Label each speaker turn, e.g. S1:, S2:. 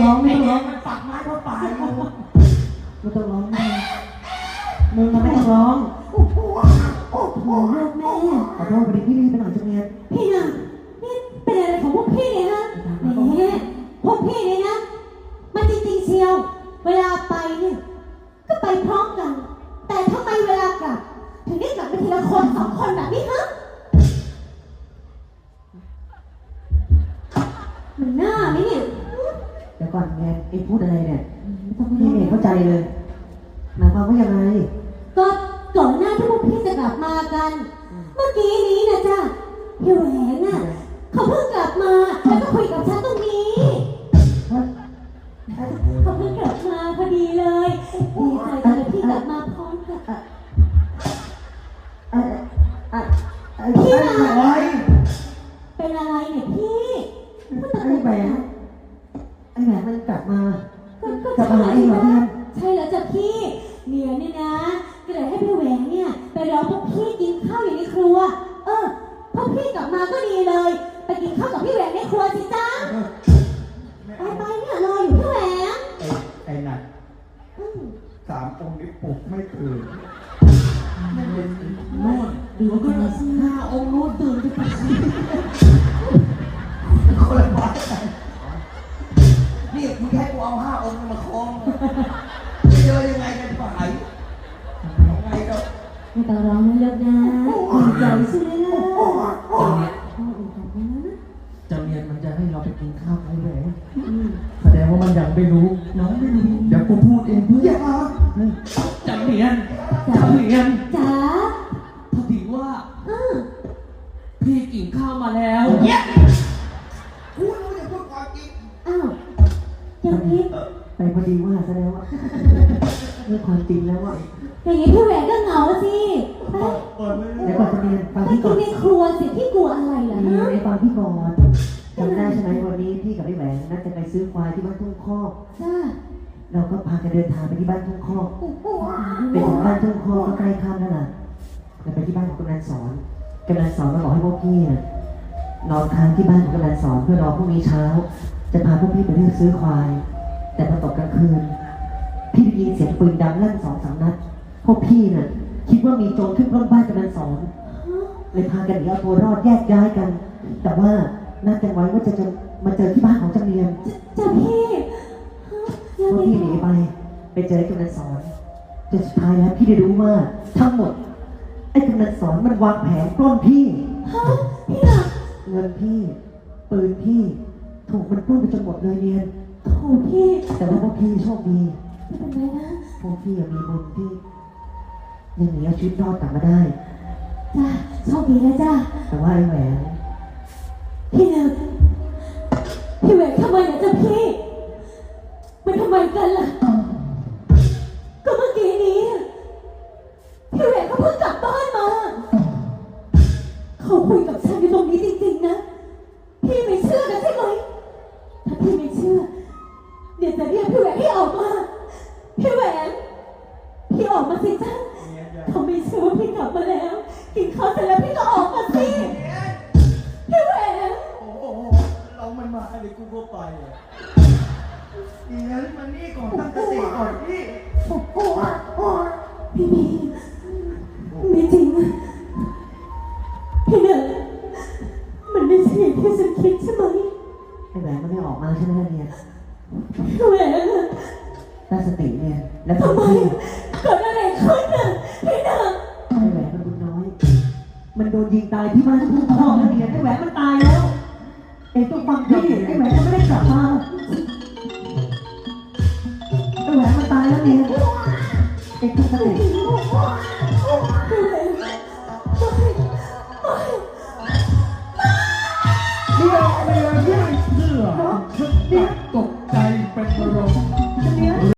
S1: ร้องไม่ต้องร้อง
S2: มันปักไม้เข้าป่าอยู่
S1: ไม่ต้องร้องมึงไม่ต้องร้องโอ้โหลูกแม่ขอโทษพอดีพี่รีบไปหน่อยจังเลยพี่น่ะนี่เป็นอะไรของพวกพี่เนี่ยฮะแหมพวกพี่เนี่ยนะมันจริงๆเชียวเวลาไปเนี่ยก็ไปพร้อมกันแต่ทำไมเวลากลับถึงได้กลับไปทีละคน2 คนแบบนี้ฮะมันน่าไหมเนี่ยเดี๋ยวก่อนแกไอ้พูดอะไรเนี่ยพี่ไม่เข้าใจเลยหมายความว่ายังไงก็ก่อนหน้าที่พวกพี่จะกลับมากันเมื่อกี้นี้นะจ๊ะพี่แหวนน่ะเขาเพิ่งกลับมาแล้วก็คุยกับฉันตรงนี้เขาเพิ่งกลับมาพอดีเลยดีใจจังเลยพี่กลับมาพร้อมกันพี่อะไรเป็นอะไรเนี่ยพี่ไอ้แหวนมันกลับมาหาเองเหรอเนี่ยใช่แล้วจ้ะพี่เนี่ยนะก็เลยให้พี่แหวนเนี่ยไปรอพวกพี่กินข้าวอยู่ในครัวพวกพี่กลับมาก็ดีเลยไปกินข้าวกับพี่แหวนในครัวสิจ้าไปเนี่ยรออยู่พี่แหวน
S2: ไอ้นั่น3 องค์นี้ปลุกไม่ตื่นโน่นดูก็5 องค์โน้นตื่นไปปัสสาวะคนละบ้านนี่มึงให้กูเอา5 องค์มาคล้องจะเจอยังไงกันฝ่ายยังไงก็
S1: ไม่ต้องร้องไม่เลิกนะดีใจใช่ไหมล่ะ
S2: จะเรียนมันจะให้เราไปกินข้าวไอ้แหวนแสดงว่ามันยังไม่รู้น้องไม่รู้เดี๋ยวกูพูดเองเพื่อนจะเรียน
S1: จ๋า
S2: พอดีว่าพี่กินข้าวมาแล้วพูดรู้อย่าพูดความจริง
S1: อย่างนี้ไปพอดีว่าซะแล้วว่าเรื่องความจริงแล้วว่าอย่างนี้พี่แหวนก็เหงาสิเดี๋ยวก่อนจะเรียนฟังพี่ก่อนในครัวสิพี่กลัวอะไรล่ะในฟังพี่ก่อนจำได้ใช่ไหมวันนี้พี่กับพี่แหวนนัดจะไปซื้อควายที่บ้านทุ่งคอกเราก็พากันเดินทางไปที่บ้านทุ่งคอกไปถึงบ้านทุ่งคอกก็ใกล้ค่ำแล้วล่ะเราไปที่บ้านของกำนันสอนมาบอกให้พวกพี่นอนค้างที่บ้านของกำนันสอนเพื่อรอพรุ่งนี้เช้าจะพาพวกพี่ไปเลือกซื้อควายแต่พอตกกลางคืนพี่ได้ยินเสียงปืนดังลั่น2-3 นัดพวกพี่น่ะคิดว่ามีโจรขึ้นปล้นบ้านกำนันสอนเลยพากันหนีเอาตัวรอดแยกย้ายกันแต่ว่านัดกันไว้ว่าจะมาเจอที่บ้านของจำเรียนจ้าพี่พวกพี่หนีไปเจอกำนันสอนจนสุดท้ายแล้วพี่ได้รู้ว่าทั้งหมดไอ้กำนันสอนมันวางแผนปล้นพี่พี่น่ะเงินพี่ปืนพี่ถูกมันปล้นไปจนหมดเลยเรียนโอ้พี่แต่ว่าพวกพี่โชคดีไม่เป็นไรนะพวกพี่มีบุญที่ยังหนีเอาชีวิตรอดกลับมาได้จ้าโชคดีนะจ้าแต่ว่าไอ้แหวนพี่แหวนทำไมนะจ๊ะพี่มันทำไมกันล่ะก็เมื่อกี้นี้พี่แหวนเขาเพิ่งกลับบ้านมาเขาคุยกับฉันอยู่ตรงนี้จริงๆนะพี่ไม่เชื่อกันใช่ไหมถ้าพี่ไม่เชื่อเดี๋ยวจะเรียกพี่แหวนให้ออกมาพี่แหวนพี่ออกมาสิจ้าเขาไม่เชื่อว่าพี่กลับมาแล้วกินข้าวเสร็จแล้วพี่ก็ออกมาสิพี่แหวน
S2: โอ้เรามันมาอะไรกูก็ไปดีนะมันนี่ก่อนตั้งสติก่อนพี่
S1: พี่ไม่จริงพี่เนี่ยมันไม่ใช่อย่างที่ฉันคิดใช่ไหมไอ้แหวนมันไม่ออกมาใช่ไหมเนี่ยแหวนตั้งสติเนี่ยแล้วทำไมเกิดอะไรขึ้นน่ะพี่น่ะไอ้แหวนมันบุญน้อยมันโดนยิงตายที่บ้านทุ่งคอกแล้วเนี่ยไอ้แหวนมันตายแล้วไอ้ต้องฟังพี่ไอ้แหวนมันไม่ได้กลับมาไอ้แหวนมันตายแล้วเนี่ยไอ้ต้องสติ